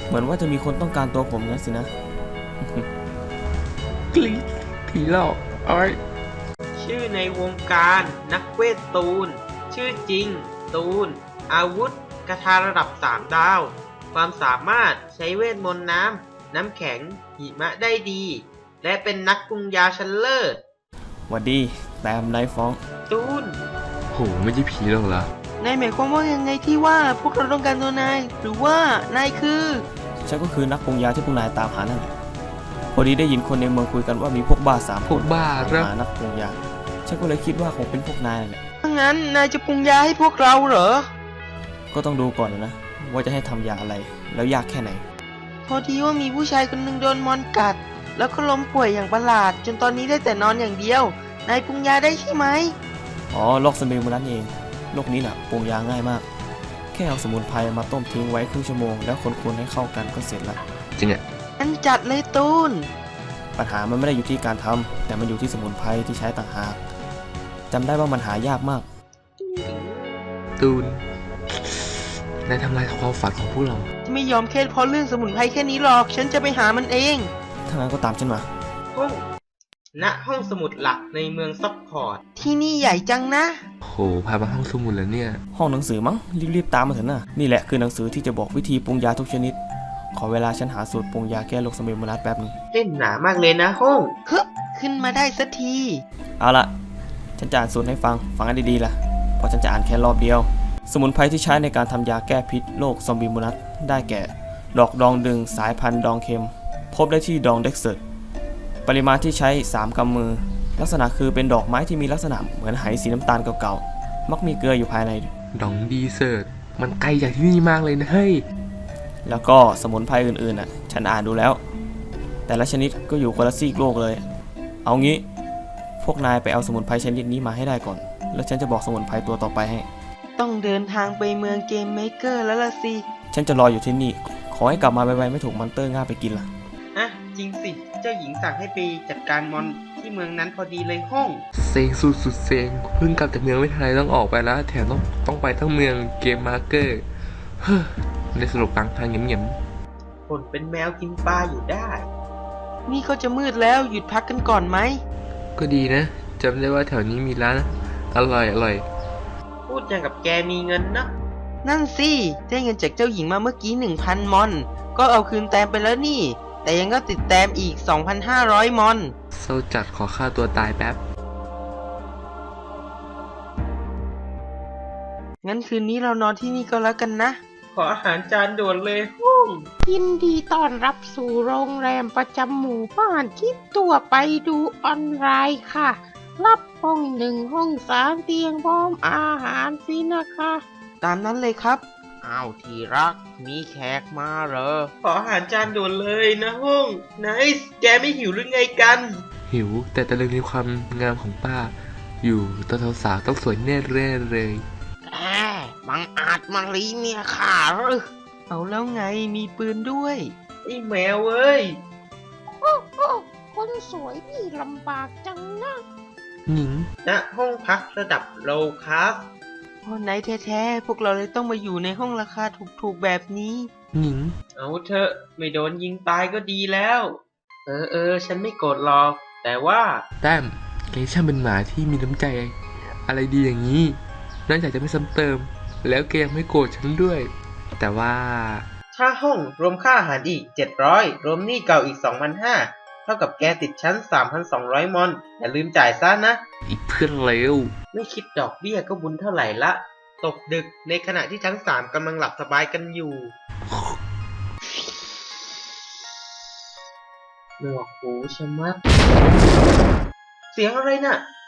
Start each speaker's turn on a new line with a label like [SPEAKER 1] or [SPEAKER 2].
[SPEAKER 1] เหมือนว่าจะมีคนต้องการตัวผมงั้นสินะ
[SPEAKER 2] กรี๊ดผีหลอกอ้อย
[SPEAKER 3] ชื่อในวงการนักเวทตูนชื่อจริงตูนอาวุธกระทาระดับ3 ดาว ความสามารถใช้เวทมนต์น้ำแข็งหิมะได้ดี และเป็นนักปรุงยาชั้นเลิศ
[SPEAKER 1] หวัดดีแตมไนฟ้อง
[SPEAKER 3] ตูน
[SPEAKER 2] โหไม่ใช่ผีหรอกเหรอน
[SPEAKER 3] ายหมายความว่ายังไงที่ว่าพวกเราต้องการตัวนายหรือว่านายคือ
[SPEAKER 1] ฉันก็คือนักปรุงยาที่พวกนายตามหานั่นแหละพอดีได้ยินคนในเมืองคุยกันว่ามีพวกบ้า3
[SPEAKER 2] พวกบ้าครับ
[SPEAKER 1] หานักปรุงยาฉันก็เลยคิดว่าคงเป็นพวกนายนั่นแหละ
[SPEAKER 3] ถ้างั้นนายจะปรุงยาให้พวกเราเหรอ
[SPEAKER 1] ก็ต้องดูก่อนนะว่าจะให้ทำยาอะไรแล้วยากแค่ไหน
[SPEAKER 3] พอดีว่ามีผู้ชายคนหนึ่งโดนมอนกัด แล้วก็ล้มป่วยอย่างประหลาด จนตอนนี้ได้แต่นอนอย่างเดียว นายปรุงยาได้ใช่ไหม
[SPEAKER 1] อ๋อโรคสมิลมานั้นเองโรคนี้น่ะปรุงยาง่ายมาก แค่เอาสมุนไพรมาต้มทิ้งไว้ครึ่งชั่วโมงแล้วคนๆให้เข้ากันก็เสร็จละ
[SPEAKER 2] จริงอ่ะ
[SPEAKER 3] งั้นจัดเลยตูน
[SPEAKER 1] ปัญหามันไม่ได้อยู่ที่การทำแต่มันอยู่ที่สมุนไพรที่ใช้ต่างหากจำได้ว่ามันหายากมาก
[SPEAKER 2] ตูนนายทำลายความฝันของพวกเรา
[SPEAKER 3] จะไม่ยอมแค่เพราะเรื่องสมุนไพรแค่นี้หรอก ฉันจะไปหามันเอง
[SPEAKER 1] ถ้างั้นก็ตามฉันมา
[SPEAKER 3] ห้องสมุดหลักในเมืองซัพพอร์ต ที่นี่ใหญ่จังนะ
[SPEAKER 2] โหพามาห้องสมุดแล้วเนี่ย
[SPEAKER 1] ห้องหนังสือมั้งรีบๆตามมาเถอะนะนี่แหละคือหนังสือที่จะบอกวิธีปรุงยาทุกชนิด ขอเวลาฉันหาสูตรปรุงยาแก้โรคสมิลมานัสแป๊บนึง
[SPEAKER 3] เล่นหนามากเลยนะห้องฮึบขึ้นมาได้สักที
[SPEAKER 1] เอาละฉันจะอ่านสูตรให้ฟังให้ดีๆล่ะเพราะฉันจะอ่านแค่รอบเดียว สมุนไพรที่ใช้ในการทำยาแก้พิษโรคซอมบี้มูนัสได้แก่ ดอกดองดึงสายพันธุ์ดองเค็ม พบได้ที่ดองเด็กเซิร์ตปริมาณที่ใช้ 3 กำมือ ลักษณะคือเป็นดอกไม้ที่มีลักษณะเหมือนไหสีน้ำตาลเก่าๆมักมีเกลืออยู่ภายใน
[SPEAKER 2] ดองดีเซิร์ตมันไกลจากที่นี่มากเลยนะเฮ้ย
[SPEAKER 1] แล้วก็สมุนไพรอื่นๆน่ะฉันอ่านดูแล้ว แต่ละชนิดก็อยู่คนละซีกโลกเลย เอางี้พวกนายไปเอาสมุนไพรชนิดนี้มาให้ได้ก่อน แล้วฉันจะบอกสมุนไพรตัวต่อไปให้
[SPEAKER 3] ต้องเดินทางไปเมืองเกมเมเกอร์แล้วล่ะสิ
[SPEAKER 1] ฉันจะรออยู่ที่นี่ ขอให้กลับมาไวๆไม่ถูกมอนเตอร์ง่าไปกินล่ะ
[SPEAKER 3] อ่ะ จริงสิ เจ้าหญิงสั่งให้ไปจัดการมอนที่เมืองนั้นพอดีเลยห้อง
[SPEAKER 2] เซ็งสุดเซ็งเพิ่งกลับจากเมืองไม่ทันไรต้องออกไปแล้วแถมต้องไปทั้งเมืองเกมมาร์เกอร์เฮ้อในสรุปกลางทางเงียบ
[SPEAKER 3] ผลเป็นแมวกินปลาอยู่ได้ นี่ก็จะมืดแล้วหยุดพักกันก่อนไหม
[SPEAKER 2] ๆก็ดีนะจำได้ว่าแถวนี้มีร้านอร่อย
[SPEAKER 3] พูดอย่างกับแกมีเงินนะ นั่นสิได้เงินจากเจ้าหญิงมาเมื่อกี้ 1,000 มอน ก็เอาคืนแต้มไปแล้วนี่ แต่ยังก็ติดแต้มอีก 2,500 มอน
[SPEAKER 2] เศร้าจัดขอฆ่าตัวตายแป๊บ
[SPEAKER 3] งั้นคืนนี้เรานอนที่นี่ก็แล้วกันนะ ขออาหารจานด่วนเลยห้อง
[SPEAKER 4] ยินดีต้อนรับสู่โรงแรมประจำหมู่บ้านคิดตัวไปดูออนไลน์ค่ะ รับห้อง1 ห้อง3 เตียงพร้อมอาหารสินะคะ
[SPEAKER 3] ตามนั้นเลยครับ อ้าวที่รัก มีแขกมาเหรอ ขออาหารจานด่วนเลยนะห้องไนส์แกไม่หิวหรือไงกัน
[SPEAKER 2] หิวแต่ตะลึงในความงามของป้า อยู่ตอนสาวๆต้องสวยแน่เร่เลย
[SPEAKER 4] แหมบังอาจมาลีเมียข้าหรือ
[SPEAKER 3] เอาแล้วไงมีปืนด้วยไอ้แมวเอ้ย
[SPEAKER 4] โอ้โอ้คนสวยนี่ลำบากจังนะ
[SPEAKER 2] หญิง
[SPEAKER 3] ณห้องพักระดับโลคลาสพอไหนแท้ๆพวกเราเลยต้องมาอยู่ในห้องราคาถูกๆแบบนี้
[SPEAKER 2] หญิง
[SPEAKER 3] เอาเถอะไม่โดนยิงตายก็ดีแล้ว ฉันไม่โกรธหรอก แต่ว่า
[SPEAKER 2] แต้มแกช่างเป็นหมาที่มีน้ำใจ อะไรดีอย่างนี้นอกจากจะไม่ซ้ำเติม แล้วแกยังไม่โกรธฉันด้วย แต่ว่า
[SPEAKER 3] ค่าห้องรวมค่าอาหารอีก 700 รวมหนี้เก่าอีก 2,500 เท่ากับแกติดชั้น 3,200 มอน อย่าลืมจ่ายซะนะ
[SPEAKER 2] อีกเพื่อนเลว
[SPEAKER 3] ไม่คิดดอกเบี้ยก็บุญเท่าไหร่ละ ตกดึกในขณะที่ชั้น 3กำลังหลับสบายกันอยู่หนวกหูชะมัด เสียงอะไรน่ะ